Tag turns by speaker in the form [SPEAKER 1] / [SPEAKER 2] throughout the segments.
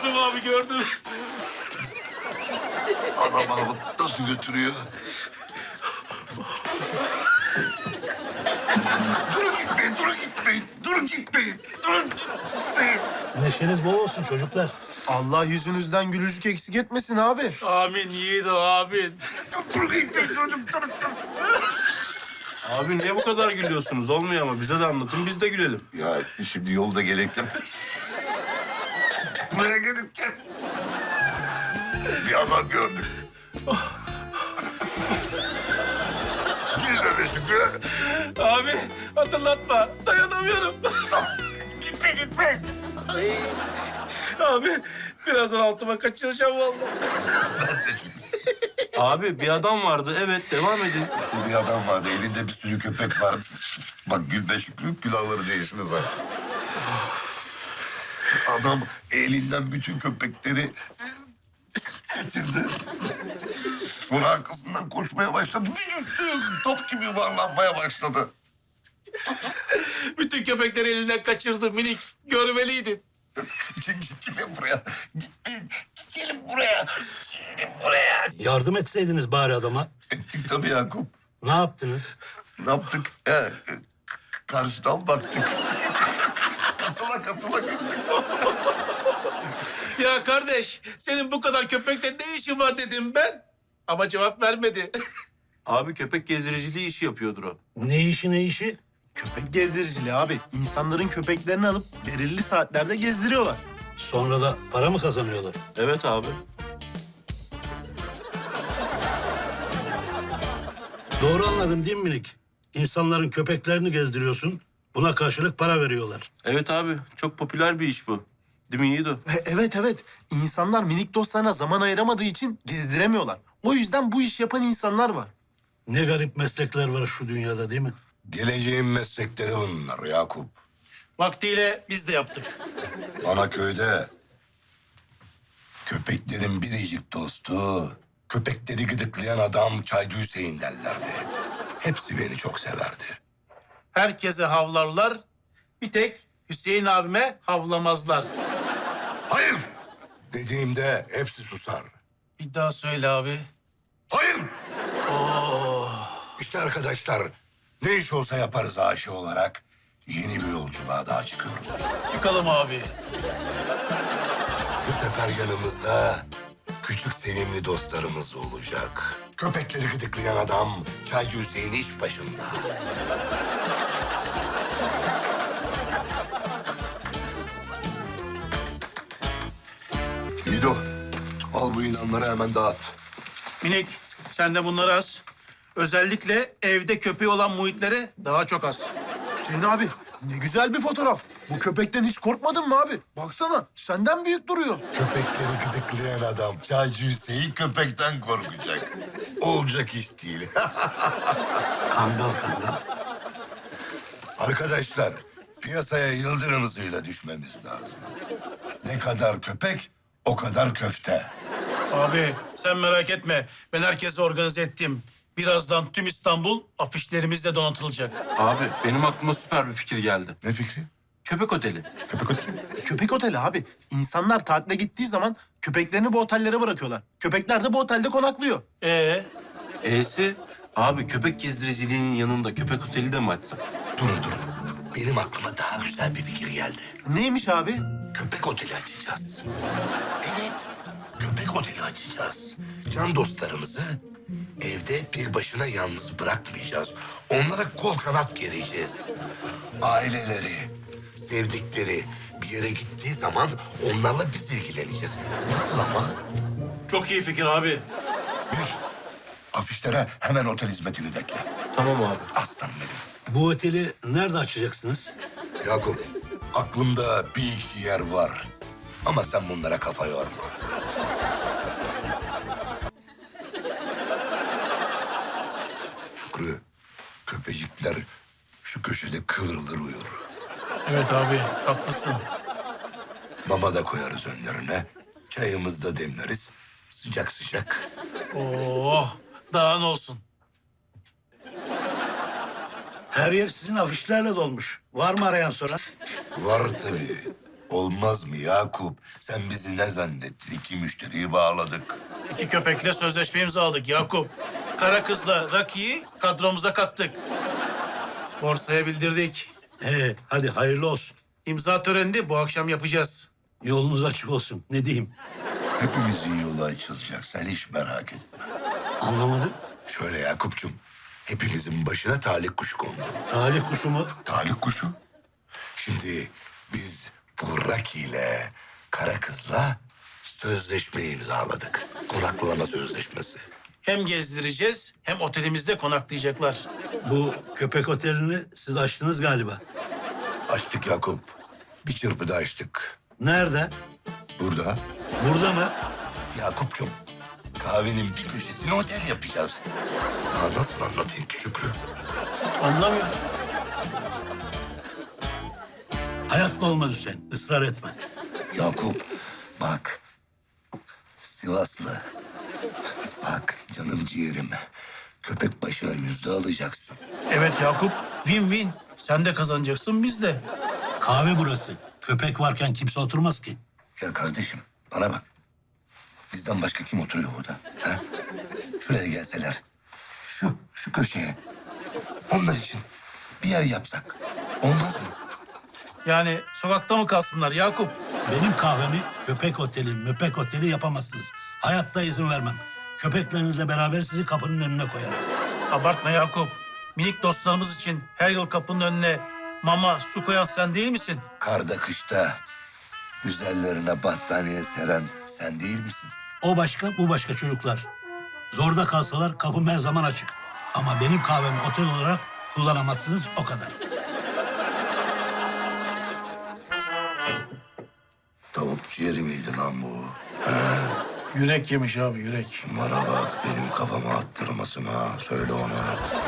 [SPEAKER 1] Gördüm abi, gördüm.
[SPEAKER 2] Adam alıp nasıl götürüyor? Durun gitmeyin, durun gitmeyin, durun gitmeyin, durun gitmeyin.
[SPEAKER 3] Neşeniz bol olsun çocuklar.
[SPEAKER 4] Allah yüzünüzden gülücük eksik etmesin abi.
[SPEAKER 1] Amin yiğido, amin.
[SPEAKER 2] Durun gitmeyin, durun.
[SPEAKER 5] Abi niye bu kadar gülüyorsunuz? Olmuyor ama bize de anlatın, biz de gülelim.
[SPEAKER 2] Ya şimdi yolda gelirken... Buraya gelirken... Bir adam gördük. Gel öyle Şükrü.
[SPEAKER 1] Abi hatırlatma, dayanamıyorum.
[SPEAKER 2] Gitme.
[SPEAKER 1] Abi birazdan altıma kaçıracağım vallahi.
[SPEAKER 5] Abi bir adam vardı, evet devam edin.
[SPEAKER 2] Bir adam vardı, elinde bir sürü köpek var. Bak Gülbe Şükrü, külahları değişiniz var. Adam elinden bütün köpekleri kaçırdı. Sonra arkasından koşmaya başladı. Bir düştü, top gibi yuvarlanmaya başladı.
[SPEAKER 1] Bütün köpekleri elinden kaçırdı minik. Görmeliydin.
[SPEAKER 2] Gelin buraya. Gitmeyin. Gelin buraya. Gelin buraya.
[SPEAKER 3] Yardım etseydiniz bari adama.
[SPEAKER 2] Ettik tabii Yakup.
[SPEAKER 3] Ne yaptınız?
[SPEAKER 2] Ne yaptık? Karşıdan baktık. katıla güldük.
[SPEAKER 1] Ya kardeş, senin bu kadar köpekle ne işin var dedim ben. Ama cevap vermedi.
[SPEAKER 5] Abi köpek gezdiriciliği işi yapıyordur o.
[SPEAKER 3] Ne işi ne işi?
[SPEAKER 4] Köpek gezdiriciliği abi. İnsanların köpeklerini alıp belirli saatlerde gezdiriyorlar.
[SPEAKER 3] Sonra da para mı kazanıyorlar?
[SPEAKER 5] Evet abi.
[SPEAKER 3] Doğru anladım değil mi minik? İnsanların köpeklerini gezdiriyorsun. Buna karşılık para veriyorlar.
[SPEAKER 5] Evet abi, çok popüler bir iş bu. Değil mi Yiğido?
[SPEAKER 4] Evet. İnsanlar minik dostlarına zaman ayıramadığı için gezdiremiyorlar. O yüzden bu iş yapan insanlar var.
[SPEAKER 3] Ne garip meslekler var şu dünyada değil mi?
[SPEAKER 2] Geleceğin meslekleri bunlar Yakup.
[SPEAKER 1] Vaktiyle biz de yaptık.
[SPEAKER 2] Bana köyde köpeklerin biricik dostu, köpekleri gıdıklayan adam Çaycı Hüseyin derlerdi. Hepsi beni çok severdi.
[SPEAKER 1] Herkese havlarlar. Bir tek Hüseyin abime havlamazlar.
[SPEAKER 2] Hayır! Dediğimde hepsi susar.
[SPEAKER 1] Bir daha söyle abi.
[SPEAKER 2] Hayır! İşte arkadaşlar, ne iş olsa yaparız aşı olarak. Yeni bir yolculuğa daha çıkıyoruz.
[SPEAKER 1] Çıkalım abi.
[SPEAKER 2] Bu sefer yanımızda küçük sevimli dostlarımız olacak. Köpekleri gıdıklayan adam Çaycı Hüseyin iş başında. İdo, al bu ilanları hemen dağıt.
[SPEAKER 1] Minik, sen de bunları az. Özellikle evde köpeği olan muhitlere daha çok az.
[SPEAKER 4] Hüseyin abi ne güzel bir fotoğraf. Bu köpekten hiç korkmadın mı abi? Baksana senden büyük duruyor.
[SPEAKER 2] Köpekleri gıdıklayan adam Çaycı Hüseyin köpekten korkacak. Olacak iş değil.
[SPEAKER 3] Kangal.
[SPEAKER 2] Arkadaşlar, piyasaya yıldırım hızıyla düşmemiz lazım. Ne kadar köpek, o kadar köfte.
[SPEAKER 1] Abi sen merak etme. Ben herkesi organize ettim. Birazdan tüm İstanbul afişlerimizle donatılacak.
[SPEAKER 5] Abi benim aklıma süper bir fikir geldi.
[SPEAKER 2] Ne fikri?
[SPEAKER 5] Köpek oteli.
[SPEAKER 2] Köpek oteli.
[SPEAKER 4] Köpek oteli abi. İnsanlar tatile gittiği zaman köpeklerini bu otellere bırakıyorlar. Köpekler de bu otelde konaklıyor.
[SPEAKER 5] E'si, abi köpek gezdiriciliğinin yanında köpek oteli de mi açsak?
[SPEAKER 2] Durun. Benim aklıma daha güzel bir fikir geldi.
[SPEAKER 4] Neymiş abi?
[SPEAKER 2] Köpek oteli açacağız. Evet, köpek oteli açacağız. Can dostlarımızı evde bir başına yalnız bırakmayacağız. Onlara kol kanat gereceğiz. Aileleri, sevdikleri bir yere gittiği zaman onlarla biz ilgileneceğiz. Nasıl ama?
[SPEAKER 1] Çok iyi fikir abi.
[SPEAKER 2] Büyük. Afişlere hemen otel hizmetini de ekle.
[SPEAKER 5] Tamam abi.
[SPEAKER 2] Aslanım benim.
[SPEAKER 3] Bu oteli nerede açacaksınız?
[SPEAKER 2] Yakup, aklımda bir iki yer var. Ama sen bunlara kafa yorma. Şükrü, köpecikler şu köşede kıvrılır uyur.
[SPEAKER 1] Evet abi, haklısın.
[SPEAKER 2] Mama da koyarız önlerine. Çayımızı da demleriz. Sıcak sıcak.
[SPEAKER 1] Oh, daha ne olsun.
[SPEAKER 3] Her yer sizin afişlerle dolmuş. Var mı arayan soran?
[SPEAKER 2] Var tabii. Olmaz mı Yakup? Sen bizi ne zannettin? 2 müşteriyi bağladık.
[SPEAKER 1] 2 köpekle sözleşme imzaladık Yakup. Kara kızla Raki'yi kadromuza kattık. Borsaya bildirdik.
[SPEAKER 3] Hadi hayırlı olsun.
[SPEAKER 1] İmza törenini bu akşam yapacağız.
[SPEAKER 3] Yolunuz açık olsun. Ne diyeyim?
[SPEAKER 2] Hepimizin yolu açılacak. Sen hiç merak etme.
[SPEAKER 3] Anlamadım.
[SPEAKER 2] Şöyle Yakup'cum, hepimizin başına talih kuşu kondu.
[SPEAKER 3] Talih kuşu mu?
[SPEAKER 2] Talih kuşu? Şimdi biz bu Raki ile Kara Kız'la sözleşme imzaladık. Konaklama sözleşmesi.
[SPEAKER 1] Hem gezdireceğiz hem otelimizde konaklayacaklar.
[SPEAKER 3] Bu köpek otelini siz açtınız galiba.
[SPEAKER 2] Açtık Yakup. Bir çırpıda açtık.
[SPEAKER 3] Nerede?
[SPEAKER 2] Burada
[SPEAKER 3] Burada mı?
[SPEAKER 2] Yakup'cum, kahvenin bir köşesine otel yapacağız. Daha nasıl anlatayım ki Şükrü?
[SPEAKER 1] Anlamıyorum.
[SPEAKER 3] Hayatta olmaz Hüseyin. Israr etme.
[SPEAKER 2] Yakup, bak. Sivaslı. Bak canım ciğerim. Köpek başına 100 alacaksın.
[SPEAKER 1] Evet Yakup, win-win. Sen de kazanacaksın, biz de.
[SPEAKER 3] Kahve burası. Köpek varken kimse oturmaz ki.
[SPEAKER 2] Ya kardeşim, bana bak. Bizden başka kim oturuyor burada? Ha? Şuraya gelseler. Şu köşeye. Onlar için bir yer yapsak. Olmaz mı?
[SPEAKER 1] Yani sokakta mı kalsınlar Yakup?
[SPEAKER 3] Benim kahvemi köpek oteli, möpek oteli yapamazsınız. Hayatta izin vermem. Köpeklerinizle beraber sizi kapının önüne koyarım.
[SPEAKER 1] Abartma Yakup. Minik dostlarımız için her yıl kapının önüne mama, su koyan sen değil misin?
[SPEAKER 2] Karda kışta güzellerine battaniye seren sen değil misin?
[SPEAKER 3] O başka, bu başka çocuklar. Zorda kalsalar kapım her zaman açık. Ama benim kahvemi otel olarak kullanamazsınız, o kadar.
[SPEAKER 2] Tavuk ciğeri miydi lan bu?
[SPEAKER 1] Yürek yemiş abi, yürek.
[SPEAKER 2] Bana bak, benim kafama attırmasın ha. Söyle ona.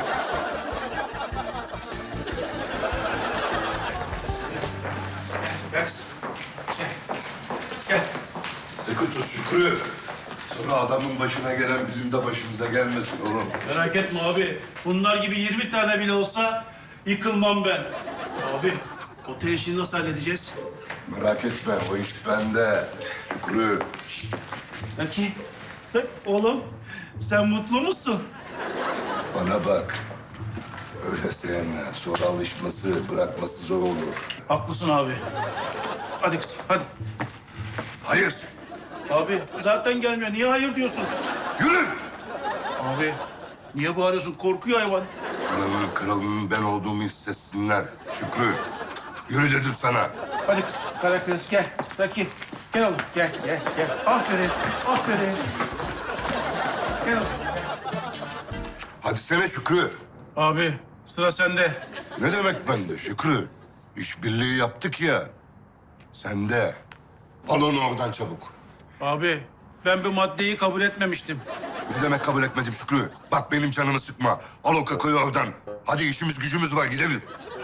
[SPEAKER 1] Gel.
[SPEAKER 2] Sıkı tut Şükrü. Sonra adamın başına gelen bizim de başımıza gelmesin oğlum.
[SPEAKER 1] Merak etme abi. Bunlar gibi 20 tane bile olsa yıkılmam ben. Abi, otel işini nasıl halledeceğiz?
[SPEAKER 2] Merak etme, o iş bende. Şükrü.
[SPEAKER 1] Peki. Oğlum, sen mutlu musun?
[SPEAKER 2] Bana bak. Öyle sevme. Sonra alışması, bırakması zor olur.
[SPEAKER 1] Haklısın abi. Hadi kızım, hadi.
[SPEAKER 2] Hayır.
[SPEAKER 1] Abi, zaten gelmiyor. Niye hayır diyorsun?
[SPEAKER 2] Yürü.
[SPEAKER 1] Abi, niye bağırıyorsun? Korkuyor hayvan.
[SPEAKER 2] Ananın kralının ben olduğumu hissetsinler. Şükrü. Yürü dedim sana.
[SPEAKER 1] Hadi kız, kara kız gel. Raki, gel oğlum. Gel, gel, gel. Aferin, aferin. Gel oğlum.
[SPEAKER 2] Hadi sene Şükrü.
[SPEAKER 1] Abi, sıra sende.
[SPEAKER 2] Ne demek bende Şükrü? İşbirliği yaptık ya. Sen de. Al onu oradan çabuk.
[SPEAKER 1] Abi, ben bu maddeyi kabul etmemiştim.
[SPEAKER 2] Ne demek kabul etmedim Şükrü? Bak benim canımı sıkma. Al o kakayı oradan. Hadi işimiz gücümüz var gidelim.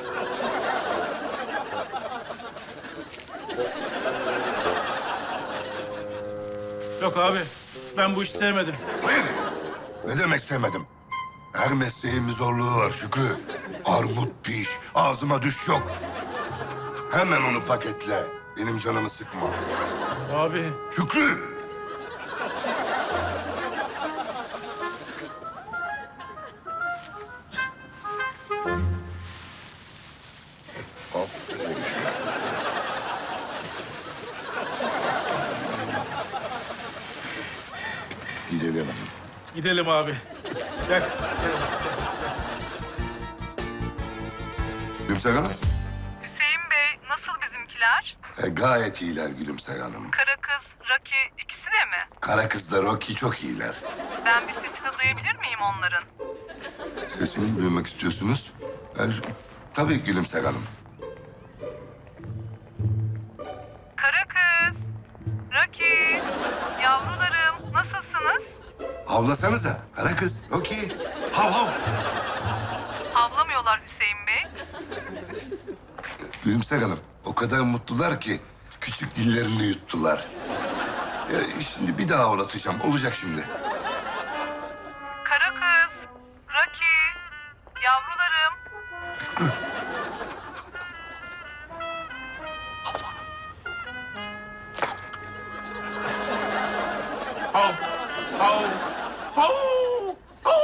[SPEAKER 1] Yok abi, ben bu işi sevmedim.
[SPEAKER 2] Hayır. Ne demek sevmedim? Her mesleğin bir zorluğu var Şükrü. Armut piş, ağzıma düş yok. Hemen onu paketle. Benim canımı sıkma.
[SPEAKER 1] Abi,
[SPEAKER 2] Şükrü! Aferin. Gidelim.
[SPEAKER 1] gidelim abi. Gel.
[SPEAKER 2] Gülümser Hanım.
[SPEAKER 6] Hüseyin Bey, nasıl bizimkiler?
[SPEAKER 2] Gayet iyiler Gülümser Hanım.
[SPEAKER 6] Kara kız, Raki ikisi de mi?
[SPEAKER 2] Kara kızlar Rocky çok iyiler.
[SPEAKER 6] Ben bir sesini duyabilir miyim onların?
[SPEAKER 2] Sesini duymak istiyorsunuz. Tabii Gülümser Hanım.
[SPEAKER 6] Kara kız, Raki, yavrularım nasılsınız?
[SPEAKER 2] Havlasanıza. Kara kız. Rocky. Hav hav.
[SPEAKER 6] Havlamıyorlar Hüseyin Bey.
[SPEAKER 2] Gülümser Hanım. O kadar mutlular ki küçük dillerini yuttular. Şimdi bir daha havlatacağım. Olacak şimdi.
[SPEAKER 6] Kara kız, Raki, yavrularım.
[SPEAKER 1] Hav. Hav. Hav.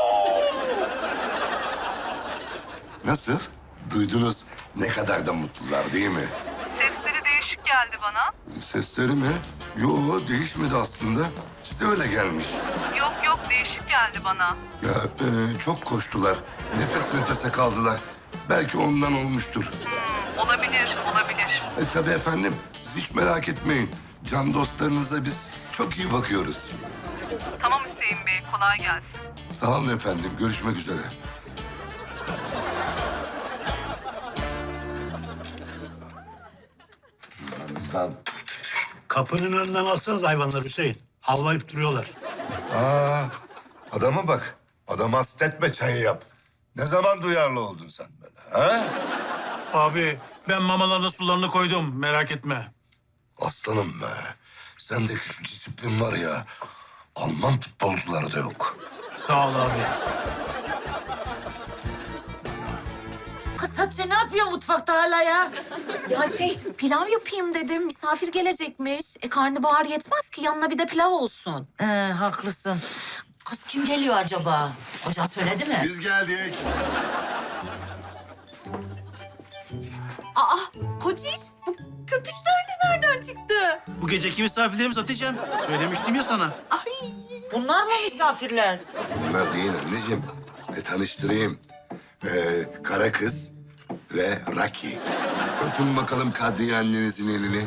[SPEAKER 2] Nasıl? Duydunuz ne kadar da mutlular değil mi?
[SPEAKER 6] Sesleri değişik geldi bana.
[SPEAKER 2] Sesleri mi? Yo, değişmedi aslında. Size öyle gelmiş.
[SPEAKER 6] Yok yok değişik geldi bana.
[SPEAKER 2] Ya çok koştular. Nefes nefese kaldılar. Belki ondan olmuştur.
[SPEAKER 6] Olabilir, olabilir.
[SPEAKER 2] Tabii efendim. Siz hiç merak etmeyin. Can dostlarınıza biz çok iyi bakıyoruz.
[SPEAKER 6] Tamam Hüseyin Bey, kolay gelsin.
[SPEAKER 2] Sağ olun efendim. Görüşmek üzere.
[SPEAKER 3] Kapının önünden alsanız hayvanlar Hüseyin. Havlayıp duruyorlar.
[SPEAKER 2] Aa, adama bak. Adam hastetme çayı yap. Ne zaman duyarlı oldun sen böyle, ha?
[SPEAKER 1] Abi ben mamalarına sularını koydum. Merak etme.
[SPEAKER 2] Aslanım be. Sendeki şu disiplin var ya, Alman futbolcuları da yok.
[SPEAKER 1] Sağ ol abi.
[SPEAKER 7] Kız Hatice ne yapıyor mutfakta hala ya?
[SPEAKER 8] Ya pilav yapayım dedim. Misafir gelecekmiş. Karnabahar yetmez ki yanına bir de pilav olsun.
[SPEAKER 7] Haklısın. Kız kim geliyor acaba? Kocan söyledi mi?
[SPEAKER 2] Biz geldik.
[SPEAKER 8] Aa Kociş bu köpüşler de nereden çıktı?
[SPEAKER 1] Bu geceki misafirlerimiz Hatice'm. Söylemiştim ya sana.
[SPEAKER 8] Ay
[SPEAKER 7] Bunlar mı misafirler?
[SPEAKER 2] Bunlar değil anneciğim. Tanıştırayım. Kara kız ve Raki. Öpün bakalım Kadriye annenizin elini.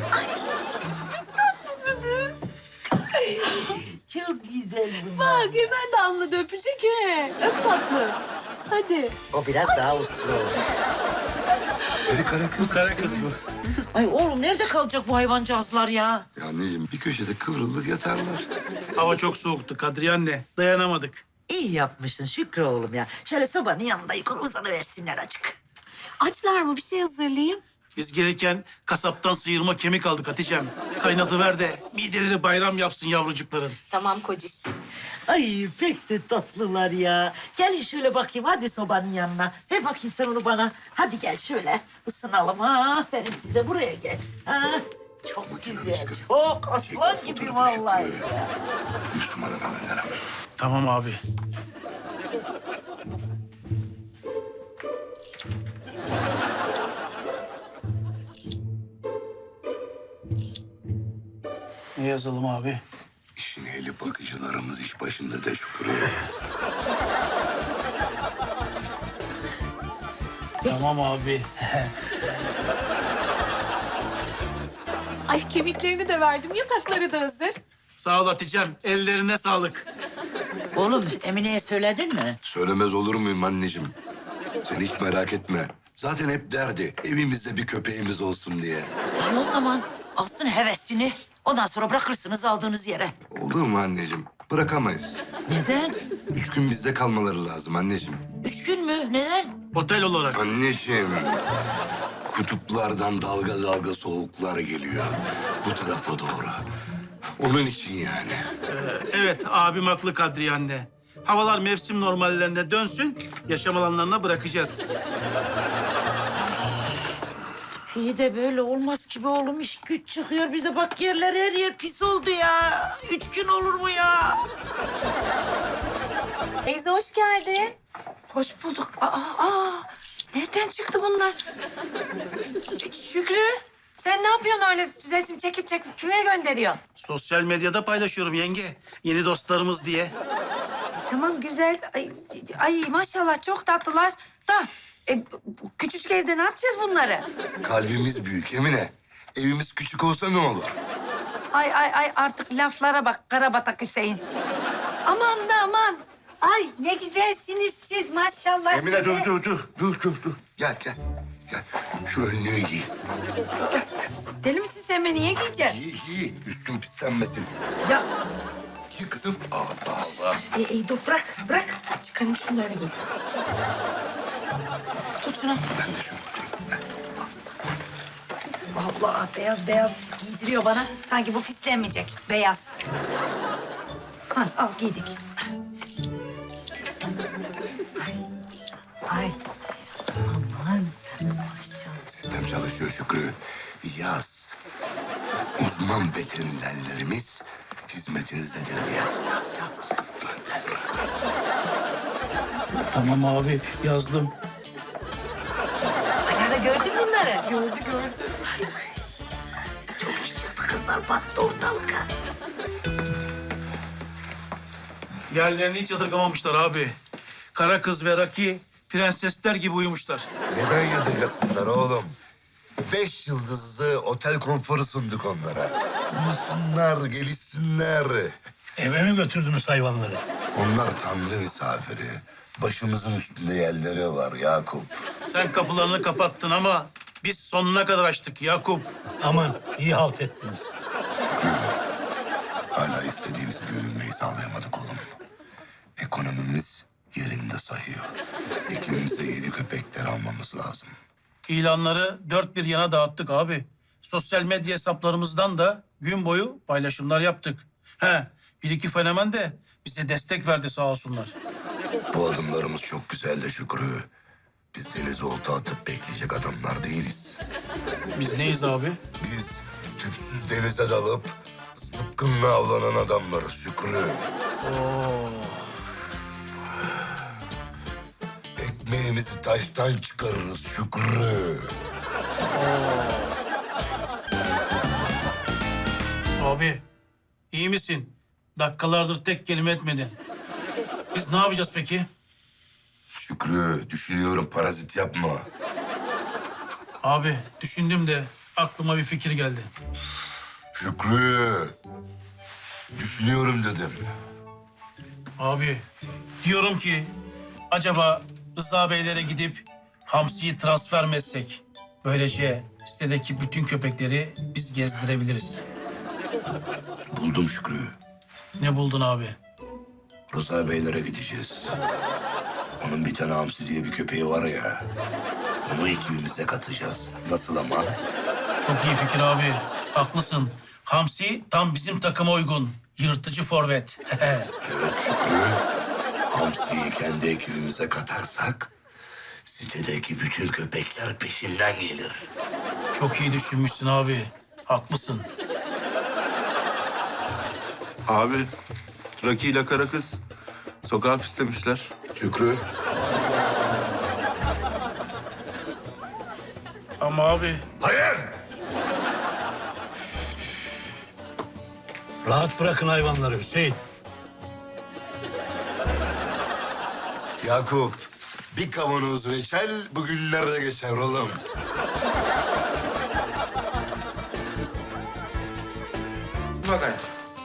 [SPEAKER 7] Çok güzel bunlar.
[SPEAKER 8] bak hemen Damla da öpecek he. Öp tatlı. Hadi.
[SPEAKER 7] O biraz daha uslu.
[SPEAKER 2] Hadi kara kız.
[SPEAKER 1] Kara kız bu.
[SPEAKER 7] Ay oğlum nerede kalacak bu hayvancağızlar ya?
[SPEAKER 2] Ya anneciğim bir köşede kıvrılır yatarlar.
[SPEAKER 1] Hava çok soğuktu Kadriye anne. Dayanamadık.
[SPEAKER 7] İyi yapmışsın Şükrü oğlum ya. Şöyle sobanın yanında yukarı uzanıversinler acık.
[SPEAKER 8] Açlar mı bir şey hazırlayayım?
[SPEAKER 1] Biz gelirken kasaptan sıyırma kemik aldık Hatice'm. Kaynatıver de mideleri bayram yapsın yavrucukların.
[SPEAKER 8] Tamam Kociş.
[SPEAKER 7] Ay pek de tatlılar ya. Gelin şöyle bakayım hadi sobanın yanına. Ver bakayım sen onu bana. Hadi gel şöyle ısınalım. Ha, aferin size buraya gel. Ha, çok güzel. Çok aslan gibi vallahi.
[SPEAKER 2] Müslüman'ın önlerine.
[SPEAKER 1] Tamam abi. Ne yazalım abi?
[SPEAKER 2] İşin ehli bakıcılarımız iş başında da Şükrü.
[SPEAKER 1] Tamam abi.
[SPEAKER 8] Ay kemiklerini de verdim. Yatakları da hazır.
[SPEAKER 1] Sağ ol Hatice'm. Ellerine sağlık.
[SPEAKER 7] Oğlum Emine'ye söyledin mi?
[SPEAKER 2] Söylemez olur muyum anneciğim? Sen hiç merak etme. Zaten hep derdi evimizde bir köpeğimiz olsun diye.
[SPEAKER 7] İyi o zaman alsın hevesini. Ondan sonra bırakırsınız aldığınız yere.
[SPEAKER 2] Olur mu anneciğim? Bırakamayız.
[SPEAKER 7] Neden?
[SPEAKER 2] 3 gün bizde kalmaları lazım anneciğim.
[SPEAKER 7] 3 gün mü? Neden?
[SPEAKER 1] Otel olarak.
[SPEAKER 2] Anneciğim, kutuplardan dalga dalga soğuklar geliyor bu tarafa doğru. Onun için yani.
[SPEAKER 1] Evet abim haklı Kadriye anne. Havalar mevsim normallerine dönsün. Yaşam alanlarına bırakacağız.
[SPEAKER 7] İyi de böyle olmaz ki be oğlum. İş güç çıkıyor bize. Bak yerler her yer pis oldu ya. 3 gün olur mu ya?
[SPEAKER 8] Teyze hoş geldin.
[SPEAKER 9] Hoş bulduk. Nereden çıktı bunlar? Şükrü, sen ne yapıyorsun öyle resim çekip kime gönderiyorsun?
[SPEAKER 1] Sosyal medyada paylaşıyorum yenge. Yeni dostlarımız diye.
[SPEAKER 9] Tamam güzel. Ay maşallah çok tatlılar. Da bu küçücük evde ne yapacağız bunları?
[SPEAKER 2] Kalbimiz büyük Emine. Evimiz küçük olsa ne olur?
[SPEAKER 9] Ay artık laflara bak Karabatak Hüseyin. Aman da aman. Ay ne güzelsiniz siz maşallah
[SPEAKER 2] Emine
[SPEAKER 9] size.
[SPEAKER 2] dur. Gel. Gel. Şu önlüğü giy.
[SPEAKER 9] Deli misin sen beni niye giyeceksin?
[SPEAKER 2] Giy. Üstün pislenmesin.
[SPEAKER 9] Ya
[SPEAKER 2] Giy kızım. Allah.
[SPEAKER 9] dur bırak. Çıkarayım şunları giy. Tut şunu.
[SPEAKER 2] Ben de şunu tutayım.
[SPEAKER 9] Allah beyaz giydiriyor bana. Sanki bu pislenmeyecek. Beyaz. Al giydik. Ay. Aman tanrım maşallah.
[SPEAKER 2] Sistem çalışıyor Şükrü. Yaz. Uzman veterinerlerimiz hizmetinizdedir diye. Yaz.
[SPEAKER 1] Tamam abi yazdım.
[SPEAKER 9] Alara gördün mü bunları?
[SPEAKER 8] Gördü.
[SPEAKER 7] Çok iş çıktı kızlar, battı ortalık. Ha.
[SPEAKER 1] Yerlerini hiç yadırgamamışlar abi. Kara kız ve Raki prensesler gibi uyumuşlar.
[SPEAKER 2] Neden yadırgasınlar oğlum? 5 yıldızlı otel konforu sunduk onlara. Uyusunlar, gelişsinler.
[SPEAKER 3] Eve mi götürdünüz hayvanları?
[SPEAKER 2] Onlar tanrı misafiri. Başımızın üstünde yerleri var Yakup.
[SPEAKER 1] Sen kapılarını kapattın ama biz sonuna kadar açtık Yakup.
[SPEAKER 3] Aman iyi halt ettiniz.
[SPEAKER 2] Hala istediğimiz büyümeyi sağlayamadık oğlum. Ekonomimiz yerinde sayıyor. Ekibimize yeni köpekler almamız lazım.
[SPEAKER 1] İlanları dört bir yana dağıttık abi. Sosyal medya hesaplarımızdan da gün boyu paylaşımlar yaptık. Bir iki fenomen de bize destek verdi sağ olsunlar.
[SPEAKER 2] Bu adımlarımız çok güzel de Şükrü. Biz denize olta atıp bekleyecek adamlar değiliz.
[SPEAKER 1] Biz neyiz abi?
[SPEAKER 2] Biz tüpsüz denize dalıp zıpkınla avlanan adamlarız Şükrü. Ekmeğimizi taştan çıkarırız Şükrü.
[SPEAKER 1] Abi iyi misin? Dakikalardır tek kelime etmedin. Biz ne yapacağız peki?
[SPEAKER 2] Şükrü düşünüyorum parazit yapma.
[SPEAKER 1] Abi düşündüm de aklıma bir fikir geldi.
[SPEAKER 2] Şükrü düşünüyorum dedim.
[SPEAKER 1] Abi diyorum ki acaba Rıza Beylere gidip Hamsi'yi transfer mi etsek? Böylece sitedeki bütün köpekleri biz gezdirebiliriz.
[SPEAKER 2] Buldum Şükrü.
[SPEAKER 1] Ne buldun abi?
[SPEAKER 2] Rıza Beylere gideceğiz. Onun bir tane Hamsi diye bir köpeği var ya. Onu ekibimize katacağız. Nasıl ama?
[SPEAKER 1] Çok iyi fikir abi. Haklısın. Hamsi tam bizim takıma uygun. Yırtıcı forvet.
[SPEAKER 2] Evet Şükrü. Hamsi'yi kendi ekibimize katarsak sitedeki bütün köpekler peşinden gelir.
[SPEAKER 1] Çok iyi düşünmüşsün abi. Haklısın.
[SPEAKER 5] Abi, Raki ile kara kız sokağa pislemişler.
[SPEAKER 2] Şükrü.
[SPEAKER 1] Ama abi
[SPEAKER 2] Hayır.
[SPEAKER 3] Rahat bırakın hayvanları Hüseyin.
[SPEAKER 2] Yakup, bir kavanoz reçel bugünlerde geçer oğlum.
[SPEAKER 5] Bakayım.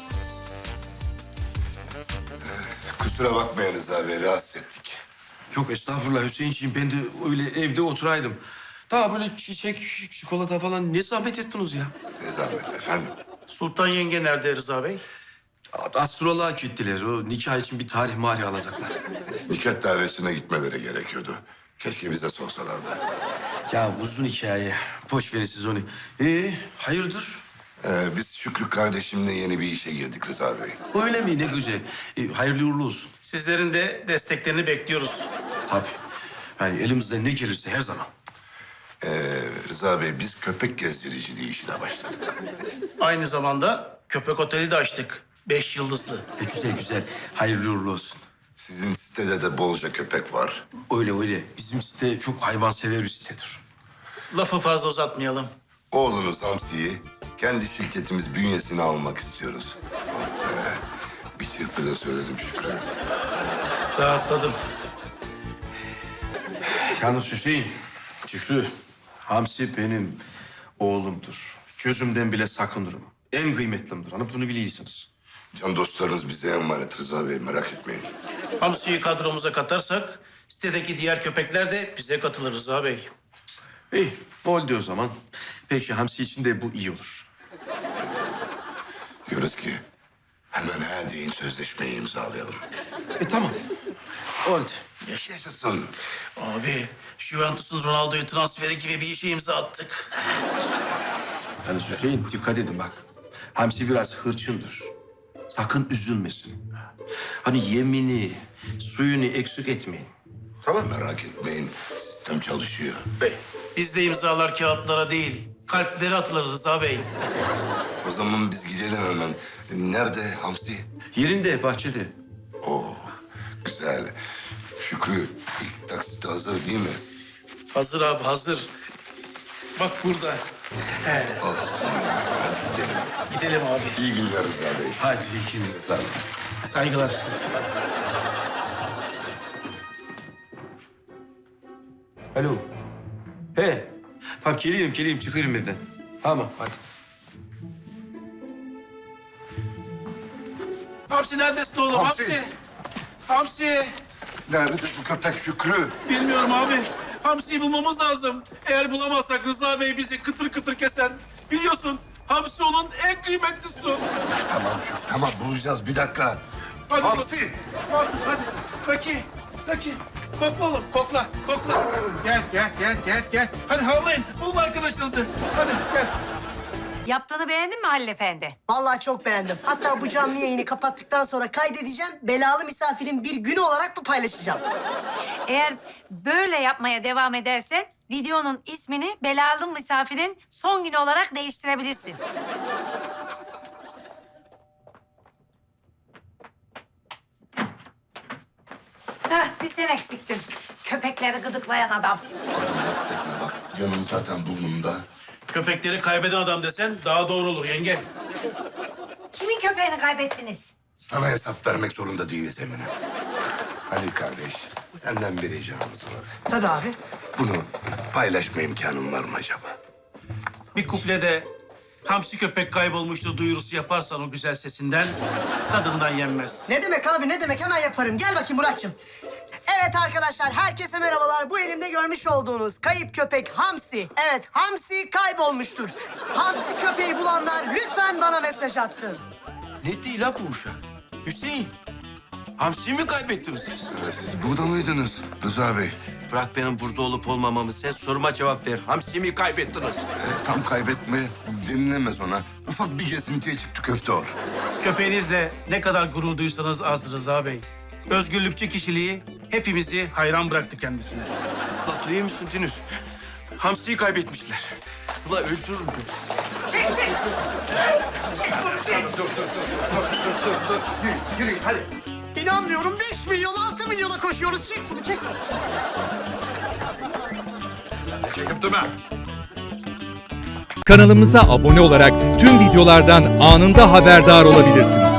[SPEAKER 2] Kusura bakmayınız abi, rahatsız ettik.
[SPEAKER 5] Yok estağfurullah Hüseyinciğim. Ben de öyle evde oturaydım. Daha böyle çiçek, çikolata falan ne zahmet ettiniz ya?
[SPEAKER 2] Ne zahmet efendim.
[SPEAKER 1] Sultan yenge nerede Rıza Bey?
[SPEAKER 5] Astroloğa gittiler. O nikah için bir tarih marih alacaklar.
[SPEAKER 2] Nikah dairesine gitmeleri gerekiyordu. Keşke bize sorsalardı.
[SPEAKER 5] Ya uzun hikaye. Boş verin siz onu. Hayırdır?
[SPEAKER 2] Biz Şükrü kardeşimle yeni bir işe girdik Rıza Bey.
[SPEAKER 5] Öyle mi? Ne güzel. Hayırlı uğurlu olsun.
[SPEAKER 1] Sizlerin de desteklerini bekliyoruz.
[SPEAKER 5] Tabii. Yani elimizden ne gelirse her zaman.
[SPEAKER 2] Rıza Bey, biz köpek gezdiriciliği işine başladık.
[SPEAKER 1] Aynı zamanda köpek oteli de açtık. 5 yıldızlı.
[SPEAKER 5] Güzel güzel. Hayırlı uğurlu olsun.
[SPEAKER 2] Sizin sitede de bolca köpek var.
[SPEAKER 5] Öyle öyle. Bizim site çok hayvansever bir sitedir.
[SPEAKER 1] Lafı fazla uzatmayalım.
[SPEAKER 2] Oğlunuz Hamsi'yi kendi şirketimiz bünyesine almak istiyoruz. Bir çırpıda söyledim Şükrü.
[SPEAKER 1] Rahatladım.
[SPEAKER 5] Yalnız Hüseyin, Şükrü, Hamsi benim oğlumdur. Gözümden bile sakındırım. En kıymetlimdir. Hani bunu biliyorsunuz.
[SPEAKER 2] Can dostlarınız bize emanet Rıza Bey, merak etmeyin.
[SPEAKER 1] Hamsi'yi kadromuza katarsak sitedeki diğer köpekler de bize katılır Rıza Bey.
[SPEAKER 5] İyi, oldu o zaman. Peki Hamsi için de bu iyi olur.
[SPEAKER 2] Diyoruz ki hemen her deyin sözleşmeyi imzalayalım.
[SPEAKER 5] Tamam. Oldu.
[SPEAKER 2] Yaşasın.
[SPEAKER 1] Abi Juventus'un Ronaldo'yu transferi gibi bir işe imza attık.
[SPEAKER 5] Yalnız Hüseyin dikkat edin bak. Hamsi biraz hırçındır. Sakın üzülmesin. Hani yemini, suyunu eksik etmeyin.
[SPEAKER 2] Tamam. Merak etmeyin, sistem çalışıyor.
[SPEAKER 1] Bey, bizde imzalar kağıtlara değil, kalplere atılır Rıza Bey.
[SPEAKER 2] O zaman biz gidelim hemen. Nerede Hamsi?
[SPEAKER 5] Yerinde, bahçede.
[SPEAKER 2] Oo, güzel. Şükrü, ilk taksit hazır değil mi?
[SPEAKER 1] Hazır abi hazır. Bak burada.
[SPEAKER 2] Olsun. Hadi gidelim.
[SPEAKER 1] Gidelim abi.
[SPEAKER 2] İyi günler Rıza Bey.
[SPEAKER 5] Hadi ikiniz.
[SPEAKER 2] Sağ olun.
[SPEAKER 1] Saygılar.
[SPEAKER 5] Alo. He. Tamam geliyorum çıkarım evden. Tamam hadi.
[SPEAKER 1] Hamsi neredesin oğlum?
[SPEAKER 2] Hamsi.
[SPEAKER 1] Hamsi. Hamsi.
[SPEAKER 2] Nerede bu köpek Şükrü?
[SPEAKER 1] Bilmiyorum abi. Hamsi'yi bulmamız lazım. Eğer bulamazsak Rıza Bey bizi kıtır kıtır kesen. Biliyorsun Hamsi onun en kıymetli su.
[SPEAKER 2] Tamam Şükrü, tamam bulacağız. Bir dakika.
[SPEAKER 1] Hadi
[SPEAKER 2] Hamsi!
[SPEAKER 1] Bak, hadi. Raki. Kokla oğlum, kokla. Gel. Hadi havlayın, bulun arkadaşınızı. Hadi gel.
[SPEAKER 9] Yaptığını beğendin mi Halil Efendi?
[SPEAKER 10] Vallahi çok beğendim. Hatta bu canlı yayını kapattıktan sonra kaydedeceğim. Belalı misafirin bir günü olarak mı paylaşacağım?
[SPEAKER 9] Eğer böyle yapmaya devam edersen videonun ismini Belalı Misafirin Son Günü olarak değiştirebilirsin. Heh, bir sen eksiktin. Köpekleri gıdıklayan adam.
[SPEAKER 2] Basit etme bak. Canım zaten burnumda.
[SPEAKER 1] Köpekleri kaybeden adam desen daha doğru olur yenge.
[SPEAKER 9] Kimin köpeğini kaybettiniz?
[SPEAKER 2] Sana hesap vermek zorunda değiliz Emine. Halil kardeş, senden bir ricamız var.
[SPEAKER 10] Tabii abi.
[SPEAKER 2] Bunu paylaşma imkanın var mı acaba?
[SPEAKER 1] Bir kuplede Hamsi köpek kaybolmuştur duyurusu yaparsan o güzel sesinden tadından yenmez.
[SPEAKER 10] Ne demek abi ne demek, hemen yaparım. Gel bakayım Muratçım. Evet arkadaşlar, herkese merhabalar. Bu elimde görmüş olduğunuz kayıp köpek Hamsi. Evet, Hamsi kaybolmuştur. Hamsi köpeği bulanlar lütfen bana mesaj atsın.
[SPEAKER 5] Ne değil la bu uşak? Hüseyin. Hamsi'yi mi kaybettiniz siz?
[SPEAKER 2] Siz burada mıydınız Rıza Bey?
[SPEAKER 5] Bırak benim burada olup olmamamı. Sen soruma cevap ver. Hamsi'yi mi kaybettiniz?
[SPEAKER 2] Tam kaybetme denilemez ona. Ufak bir gezintiye çıktı köfte or.
[SPEAKER 1] Köpeğinizle ne kadar gurur duysanız az Rıza Bey. Özgürlükçü kişiliği hepimizi hayran bıraktı kendisine.
[SPEAKER 5] La duyuyor musun Dünür? Hamsi'yi kaybetmişler. Ula öldürürüm ben.
[SPEAKER 2] Yürü hadi.
[SPEAKER 10] İnanmıyorum, 5 milyon 6 milyona koşuyoruz. Çek bunu, çek.
[SPEAKER 11] Kanalımıza abone olarak tüm videolardan anında haberdar olabilirsiniz.